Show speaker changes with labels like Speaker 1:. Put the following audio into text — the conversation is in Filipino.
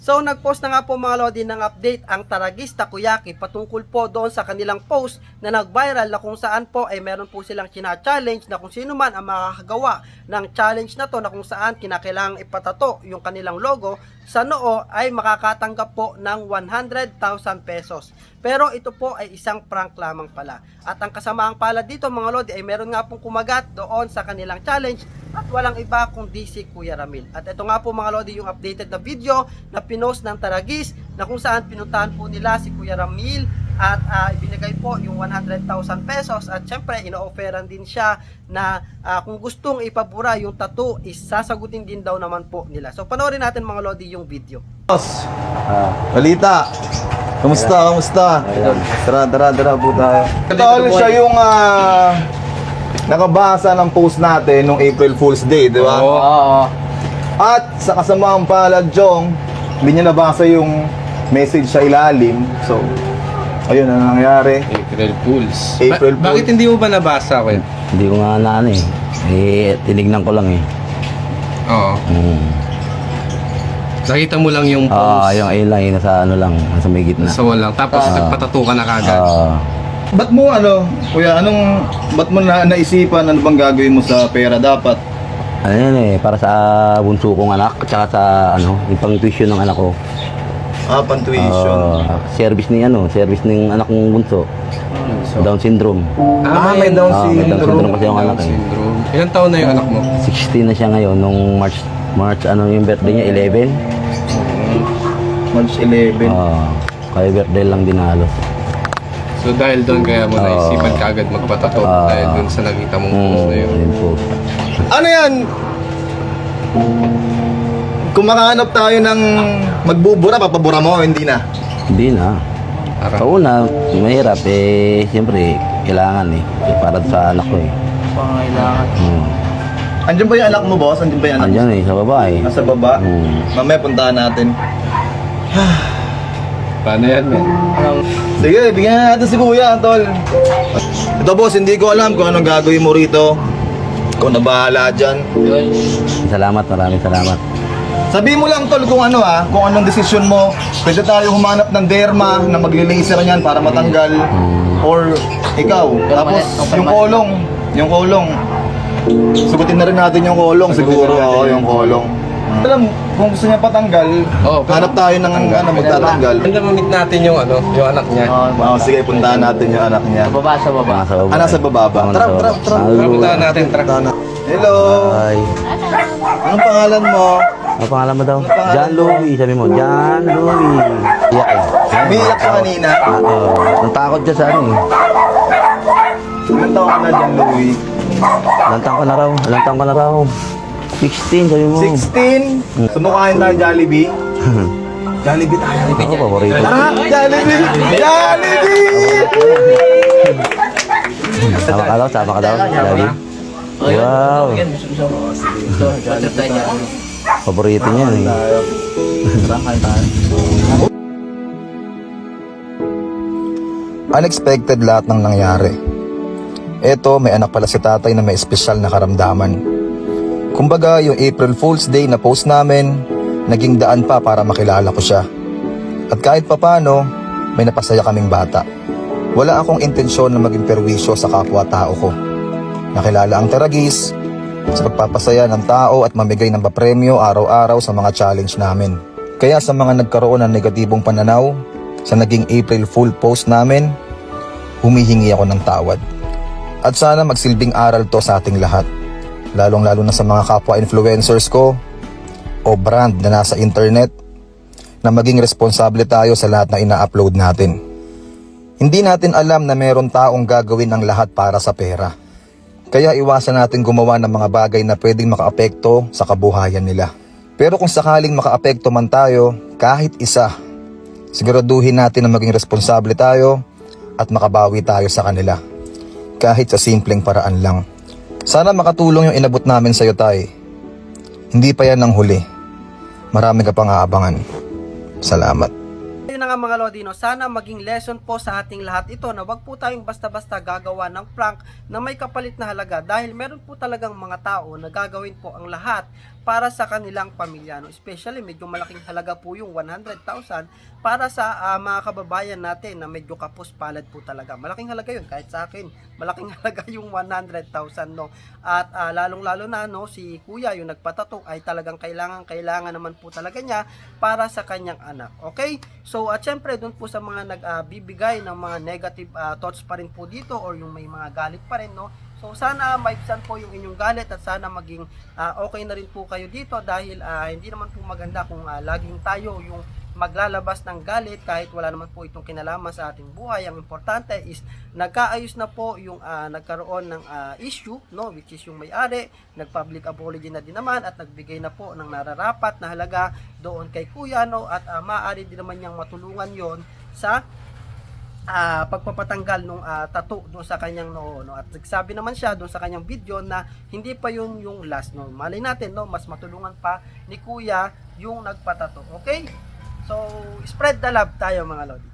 Speaker 1: So nagpost na nga po mga lodi ng update ang Taragis Takoyaki patungkol po doon sa kanilang post na nag-viral na kung saan po ay meron po silang china-challenge na kung sino man ang makakagawa ng challenge na to na kung saan kinakailangang ipatato yung kanilang logo sa noo ay makakatanggap po ng 100,000 pesos. Pero ito po ay isang prank lamang pala. At ang kasamaang pala dito mga lodi ay meron nga pong kumagat doon sa kanilang challenge at walang iba kundi si Kuya Ramil. At ito nga po mga lodi yung updated na video na pinost ng Taragis na kung saan pinuntahan po nila si Kuya Ramil at ibinigay po yung 100,000 pesos at syempre ino-offeran din siya na kung gustong ipabura yung tattoo is sasagutin din daw naman po nila. So panoorin natin mga lodi yung video.
Speaker 2: Boss, balita. Kamusta? Tara po tayo. Ito siya yung nakabasa ng post natin nung April Fool's Day, di ba?
Speaker 3: Oo.
Speaker 2: At sa kasamaang palad, Jong, hindi niya nabasa yung message sa ilalim. So, ayun ang nangyari.
Speaker 3: April Fools.
Speaker 2: April Fools.
Speaker 3: Bakit hindi mo ba nabasa, Kuya?
Speaker 4: Hindi ko nga na ano eh. Tinignan ko lang eh.
Speaker 3: Oo. Nakita mo lang yung post.
Speaker 4: Yung ayun lang, yung nasa ano lang, nasa may gitna.
Speaker 3: Sa walang. Tapos nagpatato ka na kagad.
Speaker 2: Ba't mo kuya, ba't mo naisipan, ano bang gagawin mo sa pera dapat?
Speaker 4: Ano yan eh, para sa bunso kong anak, at saka sa yung pang tuition ng anak ko.
Speaker 2: Pan-tuition.
Speaker 4: Service ng anak kong bunso. Down syndrome.
Speaker 2: May Down
Speaker 4: May Down syndrome
Speaker 2: syndrome.
Speaker 4: kasi yung anak eh.
Speaker 3: Syndrome. Ilan taon na yung anak mo?
Speaker 4: 16 na siya ngayon, nung March yung birthday niya, 11.
Speaker 2: March 11.
Speaker 4: Kaya birthday lang din halos.
Speaker 3: So dahil doon kaya mo naisipan ka agad magpatato dahil doon sa nakita mong post na yun.
Speaker 4: Ayun po.
Speaker 2: Ano yan? Kung makahanap tayo ng magbubura, papabura mo, hindi na.
Speaker 4: Hindi na.
Speaker 3: Parang,
Speaker 4: Kauna, mahirap eh, siyempre, kailangan eh. Para sa anak ko eh.
Speaker 1: Pangailangan.
Speaker 2: Andiyan ba yung anak mo, boss? Andiyan ba yung anak mo?
Speaker 4: Andiyan eh, sa babae.
Speaker 2: Nasa baba? Mamaya puntahan natin.
Speaker 3: paano yan, men?
Speaker 2: Sige, bigyan na natin si Kuya, tol. Ito, boss, hindi ko alam kung anong gagawin mo rito. Ikaw na bahala dyan.
Speaker 4: Salamat, maraming salamat.
Speaker 2: Sabihin mo lang, tol, kung kung anong desisyon mo. Pwede tayo humanap ng derma na magli-laser niyan para matanggal. Or ikaw. Tapos, yung kolong. Sugutin na rin natin yung kolong siguro. Oo, yung kolong. Alam, kung gusto niya patanggal, hanap tayo ng magtatanggal.
Speaker 3: Ganda mamit natin yung anak niya.
Speaker 2: Sige, puntahan natin yung anak niya.
Speaker 4: Nasa baba.
Speaker 2: Nasa baba ba? Tara.
Speaker 3: Puntahan natin,
Speaker 2: Hello!
Speaker 4: Hi.
Speaker 2: Anong pangalan mo?
Speaker 4: Ano pangalan mo daw? John Louie, sabi mo. John Louie. Iyak eh.
Speaker 2: Umiiyak ka kanina.
Speaker 4: Natakot dyan sa ano eh.
Speaker 2: Ilang taon ka na dyan, Louie?
Speaker 4: Lantang ko na raw. 16, sabi mo.
Speaker 2: 16? Sumukhain tayo Jollibee? Jollibee tayo.
Speaker 4: Ako, paborito.
Speaker 2: Tara! Jollibee!
Speaker 4: Sama ka daw. Lagi. Wow. Paborito niya eh.
Speaker 2: Unexpected lahat ng nangyari. Eto, may anak pala si tatay na may espesyal na karamdaman. Kumbaga, yung April Fool's Day na post namin, naging daan pa para makilala ko siya. At kahit papano, may napasaya kaming bata. Wala akong intensyon na maging perwisyo sa kapwa-tao ko. Nakilala ang Taragis sa pagpapasaya ng tao at mamigay ng papremyo araw-araw sa mga challenge namin. Kaya sa mga nagkaroon ng negatibong pananaw sa naging April Fool post namin, humihingi ako ng tawad. At sana magsilbing aral to sa ating lahat, lalong-lalo na sa mga kapwa influencers ko o brand na nasa internet, na maging responsable tayo sa lahat na ina-upload natin. Hindi natin alam na meron taong gagawin ang lahat para sa pera. Kaya iwasan natin gumawa ng mga bagay na pwedeng makaapekto sa kabuhayan nila. Pero kung sakaling makaapekto man tayo, kahit isa, siguraduhin natin na maging responsable tayo at makabawi tayo sa kanila. Kahit sa simpleng paraan lang. Sana makatulong yung inabot namin sa'yo, tay. Hindi pa yan ang huli. Marami ka pang aabangan. Salamat.
Speaker 1: Yun na nga mga Lodino, sana maging lesson po sa ating lahat ito na wag po tayong basta-basta gagawa ng prank na may kapalit na halaga dahil meron po talagang mga tao na gagawin po ang lahat para sa kanilang pamilya, no? Especially medyo malaking halaga po yung 100,000 para sa mga kababayan natin na medyo kapos palad po talaga. Malaking halaga yun, kahit sa akin malaking halaga yung 100,000, no? At lalong-lalo na, no, si kuya yung nagpatato ay talagang kailangan naman po talaga niya para sa kanyang anak. Okay? So at syempre doon po sa mga nagbibigay ng mga negative thoughts pa rin po dito, or yung may mga galit pa rin, no? So sana maibsan po yung inyong galit, at sana maging okay na rin po kayo dito, dahil hindi naman po maganda kung laging tayo yung maglalabas ng galit kahit wala naman po itong kinalaman sa ating buhay. Ang importante is nagkaayos na po yung nagkaroon ng issue, no, which is yung may-ari nag-public apology na din naman at nagbigay na po ng nararapat na halaga doon kay kuya, no, at maaari din naman niyang matulungan yon sa pagpapatanggal nung tattoo doon sa kanyang noo, no. At nagsabi naman siya doon sa kanyang video na hindi pa yun yung last, no. Malay natin, no, mas matulungan pa ni kuya yung nagpatato. Okay? So spread the love tayo mga lodi.